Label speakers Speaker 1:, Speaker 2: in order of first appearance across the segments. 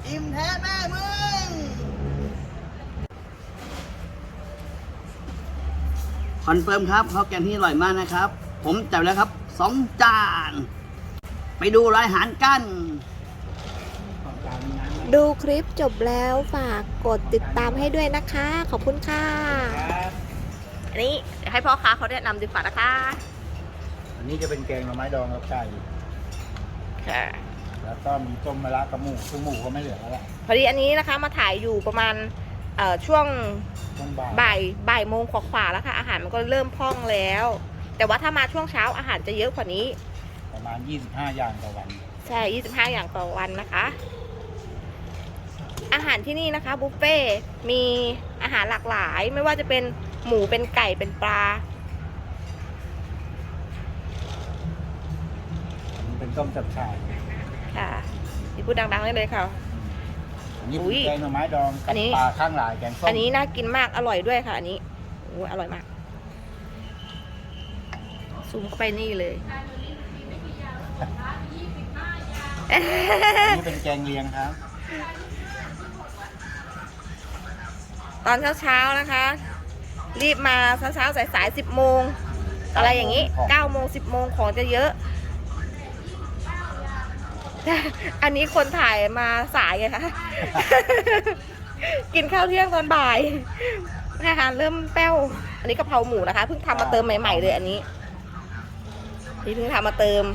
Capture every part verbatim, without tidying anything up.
Speaker 1: อิ่มแท้แม่มึงคอนเฟิร์มครับข้าวแกงที่อร่อยมากนะครับ ผมจัดแล้วครับสองจานไปดูรายอาหารกัน
Speaker 2: ดูคลิปจบแล้วฝากกดติดตามให้ด้วยนะคะ ขอบคุณค่ะอันนี้เดี๋ยวให้พ่อค้าเขาแนะนำดีกว่านะคะ
Speaker 3: อันนี้จะเป็นแกงหน่อไม้ดองกับไก่
Speaker 2: ค่ะ
Speaker 3: แล้วก็มีต้มมะระกับหมูซึ่งหมูก็ไม่เหลือแล้วแหละ
Speaker 2: พอดีอันนี้นะคะมาถ่ายอยู่ประมาณเอ่อช่วง
Speaker 3: ต้มบ่าย
Speaker 2: บ่ายบ่ายโมงกว่าๆแล้วค่ะอาหารมันก็เริ่มพร่องแล้ว แต่ว่าถ้ามาช่วงเช้าอาหารจะเยอะกว่านี้
Speaker 3: ประมาณยี่สิบห้าอย่างต่อวัน
Speaker 2: ใช่ยี่สิบห้าอย่างต่อวันนะคะ อาหารที่นี่นะคะบุฟเฟ่ต์มีอาหารหลากหลายไม่ว่าจะเป็นหมูเป็นไก่เป็นปลา
Speaker 3: อันนี้เป็นต้มจับฉ่าย
Speaker 2: ค่ะที่พูดดังๆได้เลยค่ะ
Speaker 3: อันนี้
Speaker 2: อุ๊
Speaker 3: เป็น
Speaker 2: ย
Speaker 3: แกงหน่อไม้ดอง
Speaker 2: อั
Speaker 3: กับ
Speaker 2: นนี้
Speaker 3: ปลาข้างหลายแกงส้ม
Speaker 2: อันนี้น่ากินมากอร่อยด้วยค่ะอันนี้โอ้อร่อยมากซูมเข้าไปนี่เลย
Speaker 3: อันนี้เป็นแกงเลียงครับ
Speaker 2: ตอนเช้าๆนะคะ รีบมาเช้าๆสายๆสิบโมงอะไรอย่างนี้เก้าโมงสิบโมงของจะเยอะ อันนี้คนถ่ายมาสายไงคะ กินข้าวเที่ยงตอนบ่ายอาหารเริ่มแป้ว อันนี้กะเพราหมูนะคะเพิ่งทำมาเติมใหม่ๆเลยอันนี้นี่เพิ่งทำมาเติม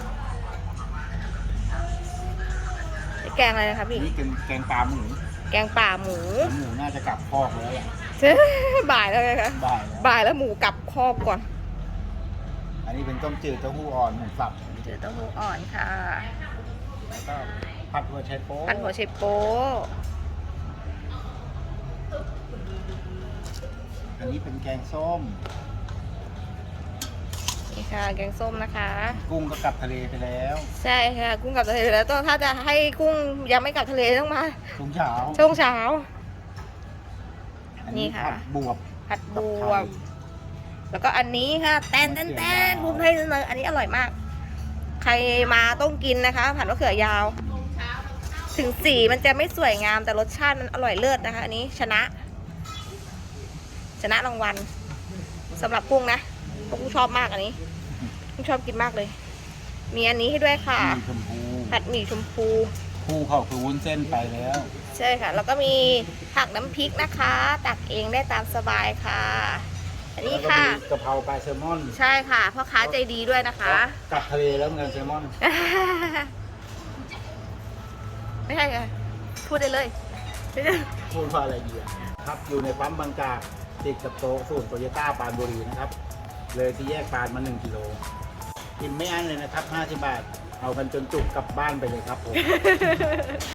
Speaker 2: แกงอะไรนะคะ
Speaker 3: อั
Speaker 2: พี่
Speaker 3: นนี้เป็นแกงปลาหมู
Speaker 2: แกงป่าหมู
Speaker 3: หมูน่าจะกลับคอกแล้วแหละ
Speaker 2: บ่ายแล้วไงคะ
Speaker 3: บ่ายแล้ว
Speaker 2: บ่ายแล้วหมูกลับคอกก่อน
Speaker 3: อันนี้เป็นต้มจืดเต้าหู้อ่อนหมูสับ
Speaker 2: เจอเต้าหู้อ่อนค่ะ
Speaker 3: แล้วก็ผัดหัวไชโป๊
Speaker 2: พันหัวไชโป๊
Speaker 3: อันนี้เป็นแกงส้ม
Speaker 2: นี่ค่ะแกงส้มนะคะ
Speaker 3: กุ้งก็กลับทะเลไปแล้ว
Speaker 2: ใช่ค่ะกุ้งกลับทะเลแล้วต้องถ้าจะให้กุ้งยังไม่กลับทะเลต้องมา
Speaker 3: ช่วงเช้า
Speaker 2: ช่วงเช้า
Speaker 3: อั
Speaker 2: นี่ค่ะ
Speaker 3: ผัดบวบ
Speaker 2: ผัดบวบแล้วก็อันนี้ค่ะแตนแตนแตนภูมิไทยเสนออันนี้อร่อยมาก ใครมาต้องกินนะคะ ผัดมะเขือยาว ถึงสีมันจะไม่สวยงามแต่รสชาติมันอร่อยเลิศนะคะ อันนี้ชนะ ชนะรางวัลสำหรับกุ้งนะเพราะกุ้งชอบมากอันนี้กุ้งชอบกินมากเลย มีอันนี้ให้ด้วยค่ะ
Speaker 3: มีชมพู
Speaker 2: ผัดหมี่ชมพู
Speaker 3: คู่เขาคือวุ้นเส้นไปแล้ว
Speaker 2: ใช่ค่ะ แล้วก็มีผักน้ำพริกนะคะ ตักเองได้ตามสบายค่ะ อันนี้
Speaker 3: แล้วก็
Speaker 2: ค่ะ
Speaker 3: มีกะเพราปลาแซลมอน
Speaker 2: ใช่ค่ะพ่อค้าใจดีด้วยนะคะ
Speaker 3: กลับทะเลแล้วเหมือนกันแซลมอน
Speaker 2: ไม่ใช่ค่ะพูดได้เลย
Speaker 3: พูดว่าอะไรดีอะครับอยู่ในปั๊มบางจากติดกับโต๊ะศูนย์โตโยต้าปรานบุรีนะครับ เลยที่แยกปรานมาหนึ่งกิโลกินไม่อั้นเลยนะครับห้าสิบบาท เอากันจนจุกกลับบ้านไปเลยครับผม